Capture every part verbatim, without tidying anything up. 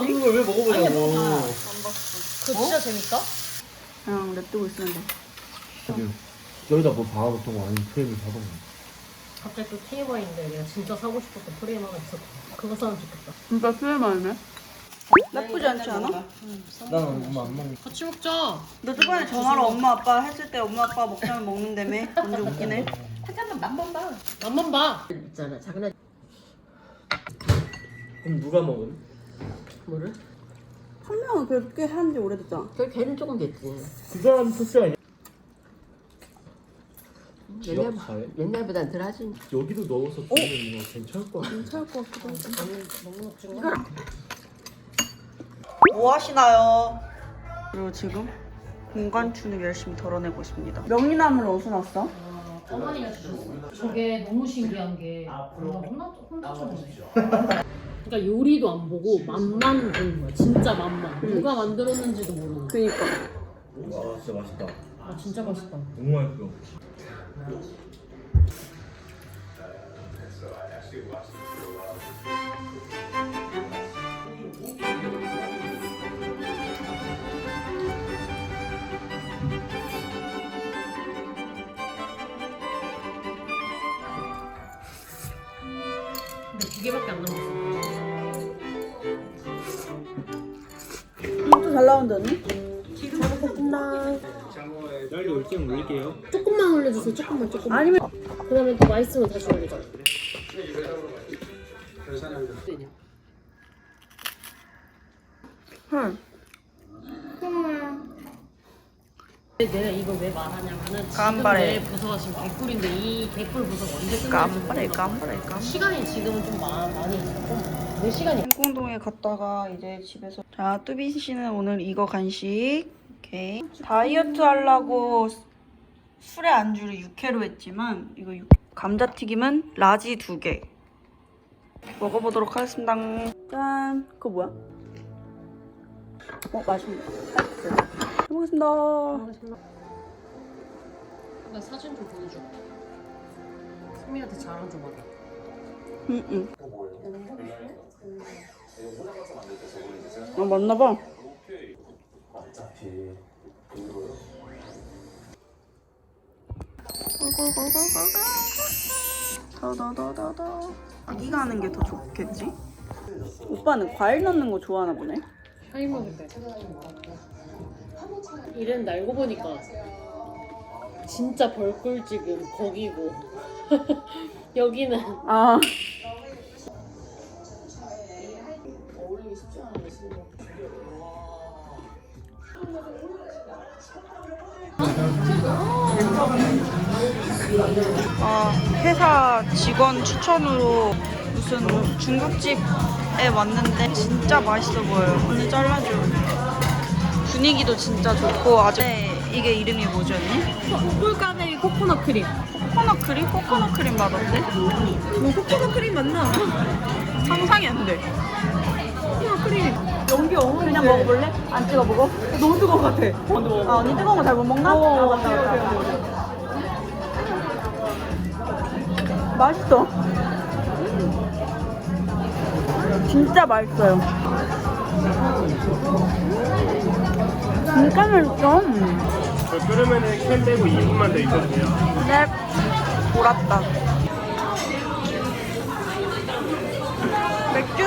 먹는 걸 왜 먹어보냐고. 그거 진짜 재밌다? 그냥 냅두고 있으면 돼. 여기다 뭐 박아놓던 거 아니면 프레임을 박아놓은 갑자기 또 티엠아이인데 내가 진짜 사고 싶었던 프레임 하나 있었다. 그거 사면 좋겠다. 진짜 수혜만이네. 나쁘지 않지 않아? 난 엄마 안 먹는 같이 먹자. 너 저번에 전화로 엄마 아빠 했을 때 엄마 아빠 먹자면 먹는다며? 완전 웃기네. 하자면 맛만 봐. 맛만 봐. 있잖아. 작은 애. 그럼 누가 먹음? 뭐를? 한 명은 그래도 꽤 한지 오래됐잖아. 그 걔는 조금 됐지. 그 사람 토스 아니야? 옛날, 기억 잘? 옛날보단 덜 하지. 여기도 넣어서 주면 이거 괜찮을 것 같아. 괜찮을 것 같기도 하고. 너무 먹지 마. 뭐 하시나요? 그리고 지금 공간추는 열심히 덜어내고 있습니다. 명리나물 어디서 났어? 어머니가 주셨어. 저게 너무 신기한 게 뭔가 혼나 혼자처럼. 그러니까 요리도 안 보고 맛만 보는 거야. 진짜 맛만. 누가 만들었는지도 모르는. 그니까. 와 진짜 맛있다. 아 진짜 맛있다. 너무 맛있어. 근데 두 개밖에 안 남았어. 이것도 잘 나온다 언니? 잘 먹겠습니다. 딸기 올증 올릴게요. 조금만 올려주세요. 조금만 조금만. 아니면 그다음에 더 맛있으면 다시 올리자. 헐. 내가 이걸 왜 말하냐면은 깜발해. 지금 내 부서가 지금 개꿀인데 이 개꿀 부서가 언제 끝날지 깜발해 모르겠어. 깜발해 깜. 시간이 지금은 좀 마, 많이 있어. 몇 시간이? 행궁동에 갔다가 이제 집에서 자 뚜비 씨는 오늘 이거 간식 오케이 다이어트 하려고 술에 안주를 육회로 했지만 이거 육... 감자튀김은 라지 두개 먹어보도록 하겠습니다. 짠 그거 뭐야? 어 맛있네. 잘 먹겠습니다. 나 사진 좀 보여줘. 승민한테 자랑 좀 하자. 응응. 아 맞나봐. 더더더더더. 아기가 하는 게 더 좋겠지? 오빠는 과일 넣는 거 좋아하나 보네. 샤인 먹을래. 이랬는데 알고 보니까 진짜 벌꿀집은 거기고 여기는 아. 어울리기 쉽지 않은데 지금. 아, 회사 직원 추천으로 무슨 중국집에 왔는데 진짜 맛있어 보여요. 오늘 잘라줘. 분위기도 진짜 좋고 아주 네, 이게 이름이 뭐지 언니? 꿀까베기 코코넛 크림. 코코넛 크림? 코코넛 크림 맛없대? 뭐 코코넛 크림 맞나? 상상이 안 돼. 코코넛 크림. 연기 어묵. 그냥 먹어볼래? 안 찍어 먹어? 너무 뜨거운 것 같아. 아 언니 뜨거운 거 잘 못 먹나? 어, 아 맞다 오케이, 맞다. 오케이, 오케이. 맛있어. 진짜 맛있어요. 진짜 맛있어. 저 끓으면은 캔 빼고 이 분만 더 있거든요. 네. 돌았다. 맥주?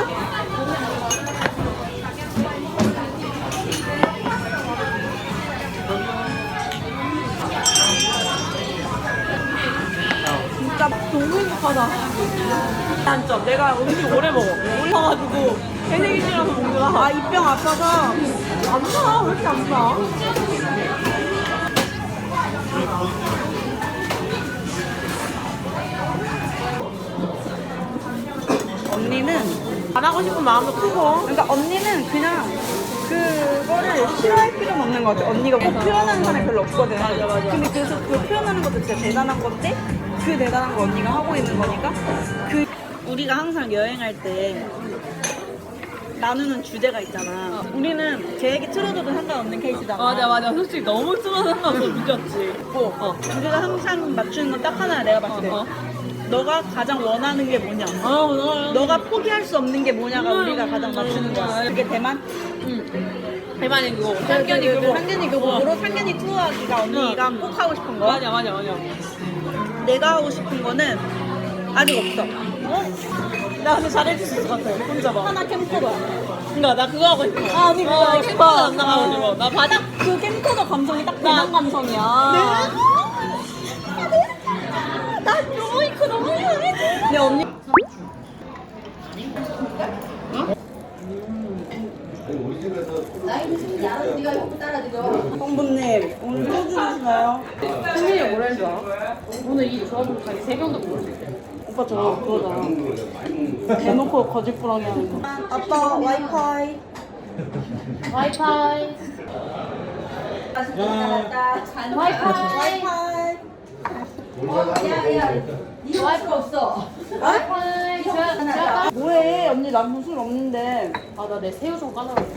진짜 너무 행복하다. 단점, 내가 음식 오래 먹어. 올라가지고 새내기시라서 먹느라 아, 입병 아파서 안 사. 왜 이렇게 안 사? 언니는 안 하고 싶은 마음도 크고. 그러니까 언니는 그냥 그거를 싫어할 필요는 없는 것 같아. 언니가 꼭 표현하는 사람이 별로 없거든. 맞아, 맞아. 근데 그래서 그 표현하는 것도 진짜 대단한 건데 그 대단한 거 언니가 하고 있는 거니까 그 우리가 항상 여행할 때 나누는 주제가 있잖아. 우리는 계획이 틀어져도 상관없는 케이스잖아. 맞아 맞아. 솔직히 너무 틀어서 상관없어. 미쳤지. 뭐, 어, 주제가 항상 맞추는 건 딱 하나야 내가 봤을 때. 어, 어. 너가 가장 원하는 게 뭐냐? 아 원하요. 너가 포기할 수 없는 게 뭐냐가 음, 우리가 가장 맞추는 거야. 그게 대만? 대만이 그거. 상견이 교복. 상견이 교복으로 상견이 투어하기가 언니가 꼭 하고 싶은 거. 맞아 맞아 맞아. 내가 하고 싶은 거는 아직 없어. 나 근데 잘해줄 수 있을 것 같아. 혼자 봐. 하나 캠코더야. 그니까 나 그거 하고 싶어. 아, 언니 그거 어, 하고 캠코더 싶어. 안 나가가지고. 나 바닥. 그 캠코더 감성이 딱 대만 감성이야. 나 로이크 너무 잘해. 내 언니. 성부님 오늘 소주 드시나요? 생일이 뭐라는 줄 알아? 오늘 이 조합으로 자기 세 병도 먹을 수 있대. 오빠 저 그거잖아. 대놓고 거짓부렁이 하는 거. 아빠 와이파이. 와이파이. 와이파이. 와이파이. 와이파이 없어. 와이파이. 제가 제가 뭐해? 언니 남편 술 없는데. 아나 내 새우 좀 까달라고.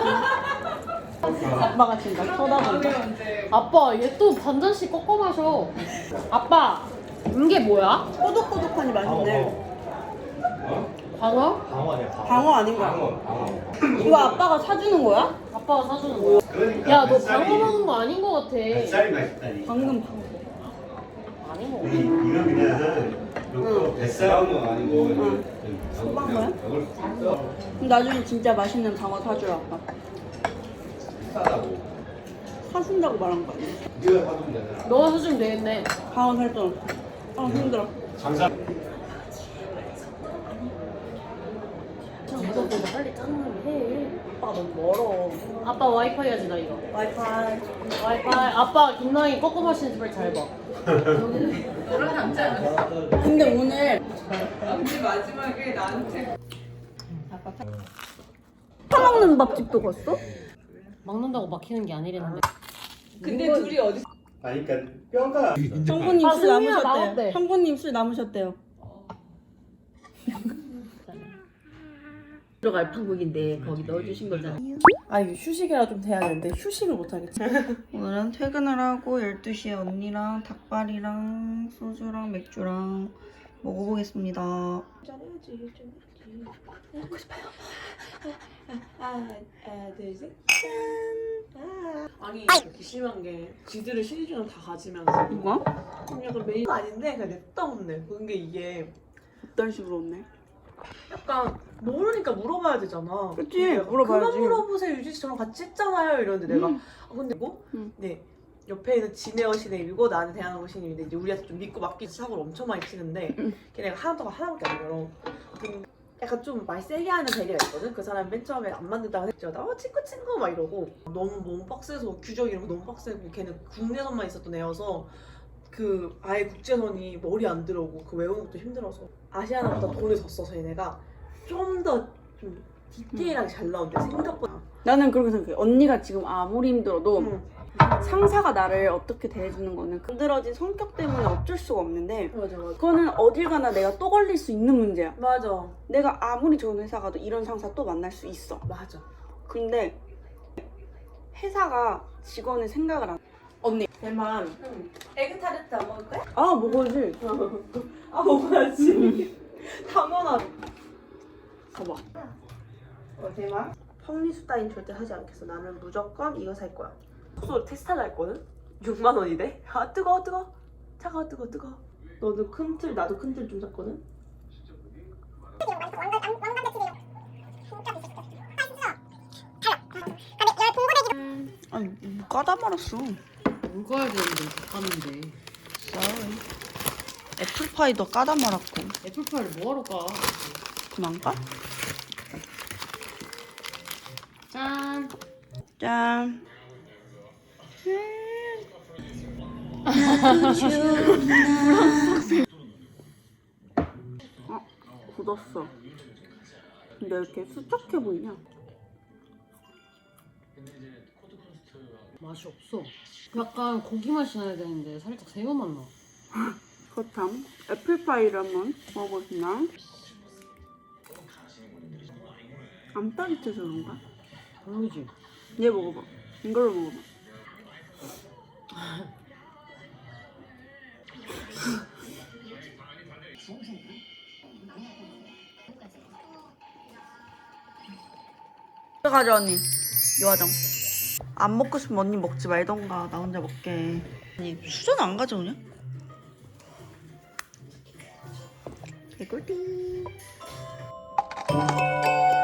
아빠가 진짜 쳐다본다. 아빠 얘 또 반잔씩 꺾어 마셔. 아빠 이게 뭐야? 꼬독꼬독하니 맛있네. 광어? 방어네 방어. 방어 아닌가? 이거 아빠가 사주는 거야? 아빠가 사주는 거야. 야 너 방어 먹은 거 아닌 거 같아. 뱃살이 맛있다니. 방금 방어. 아닌 거 우리 같아. 이거 그냥 응. 뱃살은 거 아니고 응. 소방어야? 그럼 나중에 진짜 맛있는 방어 사주라 아빠. 싸다고. 사준다고 말한 거 아니야? 네가 사주면 되잖아. 너가 사주면 되겠네. 방어 살던. 아 힘들어. 장사. 이거 보고 빨리 짜증나게 해. 아빠 너무 멀어. 아빠 와이파이 하지 나 이거. 와이파이. 와이파이. 아빠 김나희 꺾어 마시는 집 잘 봐. 근데 오늘 사먹는 밥집도 갔어? 먹는다고 막히는 게 아니랬는데. 아니 그러니까 뼈가 형부님 아, 술 승민아, 남으셨대요. 나왔대. 형부님 술 남으셨대요. 들어갈 판국인데 거기 넣어주신 거잖아. 아 이거 휴식이라 좀 돼야 되는데 휴식을 못 하겠지. 오늘은 퇴근을 하고 열두 시에 언니랑 닭발이랑 소주랑 맥주랑 먹어보겠습니다. 잘해야지 좀 해야지. 먹고 싶어요. 하나 둘셋 짠. 아. 아니 이렇게 심한 게 지들을 시리즈는 다 가지면서 누가? 좀 약간 메인 아닌데 그냥 냅다 없네. 근데 이게 어떤 식으로 없네? 약간 모르니까 물어봐야 되잖아. 그치, 근데 약간 물어봐야지. 그만 물어보세요. 유지 씨 저랑 같이 했잖아요. 이러는데 내가 음. 아, 근데 뭐? 음. 네. 옆에 있는 진혜어 신임이고 나는 대한항공 신임인데 이제 우리한테 좀 믿고 맡기지 사고를 엄청 많이 치는데 음. 걔네가 하나도 하나밖에 안 열어. 근데 약간 좀 말 세게 하는 대리가 있거든. 그 사람 맨 처음에 안 만든다고 했죠. 나 어, 친구 친구 막 이러고 너무 너무 빡세서 규정 이런 거 너무 빡세고 걔는 국내선만 있었던 애여서 그 아예 국제선이 머리 안 들어오고 그 외우는 것도 힘들어서 아시아나보다 돈을 더 써서 얘네가 좀 더 좀 디테일하게 잘 나온대 생각보다. 나는 그렇게 생각해. 언니가 지금 아무리 힘들어도 응. 상사가 나를 어떻게 대해주는 거는 만들어진 성격 때문에 어쩔 수가 없는데 맞아 맞아. 그거는 어딜 가나 내가 또 걸릴 수 있는 문제야. 맞아 내가 아무리 좋은 회사 가도 이런 상사 또 만날 수 있어. 맞아. 근데 회사가 직원의 생각을 안 언니 대만 에그타르트 안 먹을 거야? 아 먹어야지. 아 먹어야지. 당연하지. 봐봐. 어, 대만 펑리수 따윈 절대 하지 않겠어. 나는 무조건 이거 살 거야. 숙소 테스트를 했거든? 육만 원이래? 아 뜨거워 뜨거워. 차가워 뜨거워 뜨거워. 너도 큰 틀 나도 큰 틀 좀 샀거든? 아니 뭐 까다 말았어. 먹어야 되는데 못 가는데. sorry. 애플파이도 까다 말았고. 애플파이를 뭐하러 까? 그만 까? 짠. 짠. 어, 굳었어. 근데 왜 이렇게 수척해 보이냐? 맛이 없어. 약간 고기 맛이 나야 되는데 살짝 새우 맛 나. 그렇담. 애플파이를 한번 먹어보시나? 안 따뜻해서 그런가? 별로지? 얘 먹어봐. 이걸로 먹어봐. 가져 언니. 요화정. 안 먹고 싶으면 언니 먹지 말던가. 나 혼자 먹게. 아니 수저 안 가져오냐? 개꿀띠.